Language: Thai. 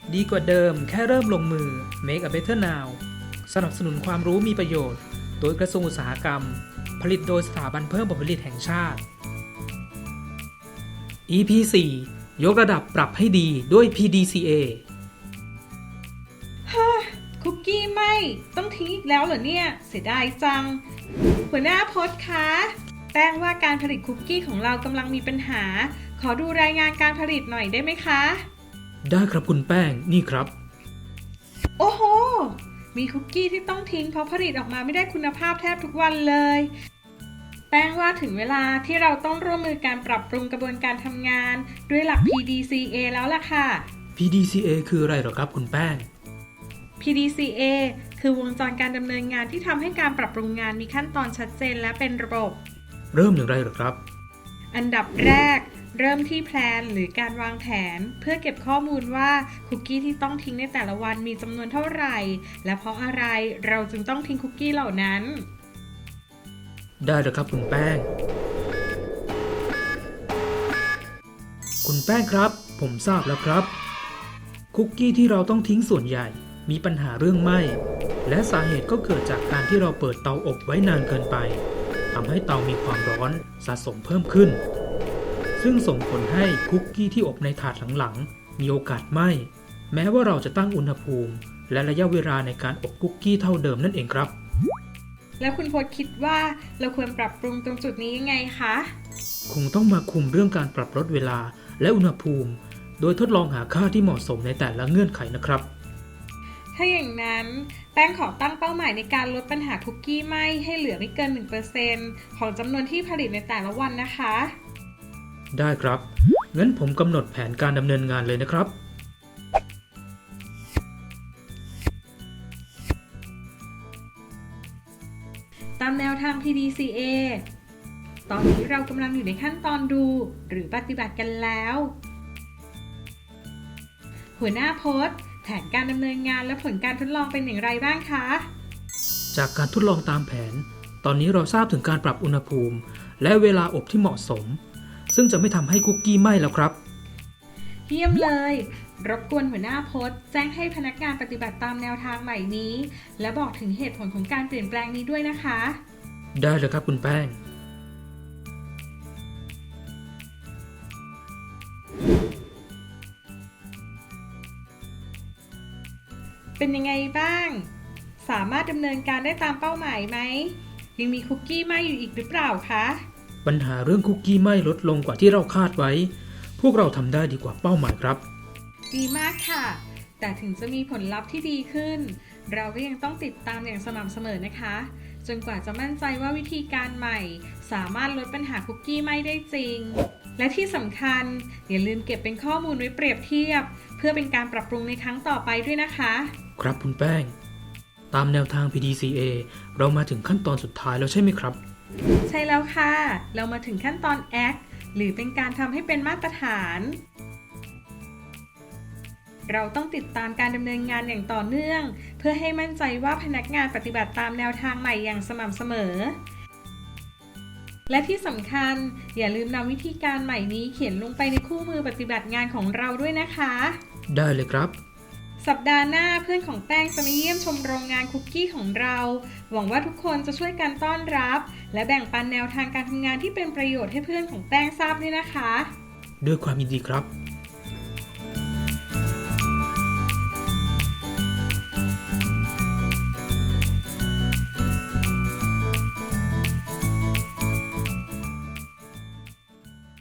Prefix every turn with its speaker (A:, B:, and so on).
A: ดีกว่าเดิมแค่เริ่มลงมือ Make a Better Now สนับสนุนความรู้มีประโยชน์โดยกระทรวงอุตสาหกรรมผลิตโดยสถาบันเพิ่มผลผลิตแห่งชาติ EP 4 ยกระดับปรับให้ดีด้วย PDCA
B: คุกกี้ไม่ต้องทิ้งอีกแล้วเหรอเนี่ยเสียดายจังหัวหน้าพจน์คะแป้งว่าการผลิตคุกกี้ของเรากำลังมีปัญหาขอดูรายงานการผลิตหน่อยได้ไหมคะ
A: ได้ครับคุณแป้งนี่ครับ
B: โอ้โหมีคุกกี้ที่ต้องทิ้งเพราะผลิตออกมาไม่ได้คุณภาพแทบทุกวันเลยแป้งว่าถึงเวลาที่เราต้องร่วมมือการปรับปรุงกระบวนการทำงานด้วยหลัก PDCA แล้วล่ะค่ะ
A: PDCA คืออะไรเหรอครับคุณแป้ง
B: PDCA คือวงจรการดำเนินงานที่ทำให้การปรับปรุงงานมีขั้นตอนชัดเจนและเป็นระบบ
A: เริ่มอย่างไรเหรอครับ
B: อันดับแรกเริ่มที่แพลนหรือการวางแผนเพื่อเก็บข้อมูลว่าคุกกี้ที่ต้องทิ้งในแต่ละวันมีจำนวนเท่าไหร่และเพราะอะไรเราจึงต้องทิ้งคุกกี้เหล่านั้น
A: ได้เลยครับคุณแป้งคุณแป้งครับผมทราบแล้วครับคุกกี้ที่เราต้องทิ้งส่วนใหญ่มีปัญหาเรื่องไหม้และสาเหตุก็เกิดจากการที่เราเปิดเตาอบไว้นานเกินไปทำให้เตามีความร้อนสะสมเพิ่มขึ้นซึ่งส่งผลให้คุกกี้ที่อบในถาดหลังๆมีโอกาสไหม้แม้ว่าเราจะตั้งอุณหภูมิและระยะเวลาในการอบคุกกี้เท่าเดิมนั่นเองครับ
B: แล้วคุณพจน์คิดว่าเราควรปรับปรุงตรงจุดนี้ยังไงคะ
A: คงต้องมาคุมเรื่องการปรับลดเวลาและอุณหภูมิโดยทดลองหาค่าที่เหมาะสมในแต่ละเงื่อนไขนะครับ
B: ถ้าอย่างนั้นแป้งขอตั้งเป้าหมายในการลดปัญหาคุกกี้ไหม้ให้เหลือไม่เกิน 1% ของจำนวนที่ผลิตในแต่ละวันนะคะ
A: ได้ครับงั้นผมกำหนดแผนการดำเนินงานเลยนะครับ
B: ตามแนวทาง PDCA ตอนนี้เรากำลังอยู่ในขั้นตอนดูหรือปฏิบัติกันแล้วหัวหน้าโพสต์แผนการดำเนินงานและผลการทดลองเป็นอย่างไรบ้างคะ
A: จากการทดลองตามแผนตอนนี้เราทราบถึงการปรับอุณหภูมิและเวลาอบที่เหมาะสมซึ่งจะไม่ทำให้คุกกี้ไหม้แล้วครับ
B: เยี่ยมเลยรบกวนหัวหน้าโพสต์แจ้งให้พนักงานปฏิบัติตามแนวทางใหม่นี้และบอกถึงเหตุผลของการเปลี่ยนแปลงนี้ด้วยนะคะ
A: ได้เลยครับคุณแป้ง
B: เป็นยังไงบ้างสามารถดำเนินการได้ตามเป้าหมายไหมยังมีคุกกี้ไหม้อยู่อีกหรือเปล่าคะ
A: ปัญหาเรื่องคุกกี้ไหม้ลดลงกว่าที่เราคาดไว้พวกเราทำได้ดีกว่าเป้าหมายครับ
B: ดีมากค่ะแต่ถึงจะมีผลลัพธ์ที่ดีขึ้นเราก็ยังต้องติดตามอย่างสม่ำเสมอนะคะจนกว่าจะมั่นใจว่าวิธีการใหม่สามารถลดปัญหาคุกกี้ไหม้ได้จริงและที่สำคัญอย่าลืมเก็บเป็นข้อมูลไว้เปรียบเทียบเพื่อเป็นการปรับปรุงในครั้งต่อไปด้วยนะคะ
A: ครับคุณแป้งตามแนวทาง PDCA เรามาถึงขั้นตอนสุดท้ายแล้วใช่ไหมครับ
B: ใช่แล้วค่ะเรามาถึงขั้นตอน Act หรือเป็นการทำให้เป็นมาตรฐานเราต้องติดตามการดำเนินงานอย่างต่อเนื่องเพื่อให้มั่นใจว่าพนักงานปฏิบัติตามแนวทางใหม่อย่างสม่ำเสมอและที่สำคัญอย่าลืมนำวิธีการใหม่นี้เขียนลงไปในคู่มือปฏิบัติงานของเราด้วยนะคะ
A: ได้เลยครับ
B: สัปดาห์หน้าเพื่อนของแป้งจะมาเยี่ยมชมโรงงานคุกกี้ของเราหวังว่าทุกคนจะช่วยกันต้อนรับและแบ่งปันแนวทางการทำงานที่เป็นประโยชน์ให้เพื่อนของแป้งทราบด้วยนะคะ
A: ด้วยความยินดีครับ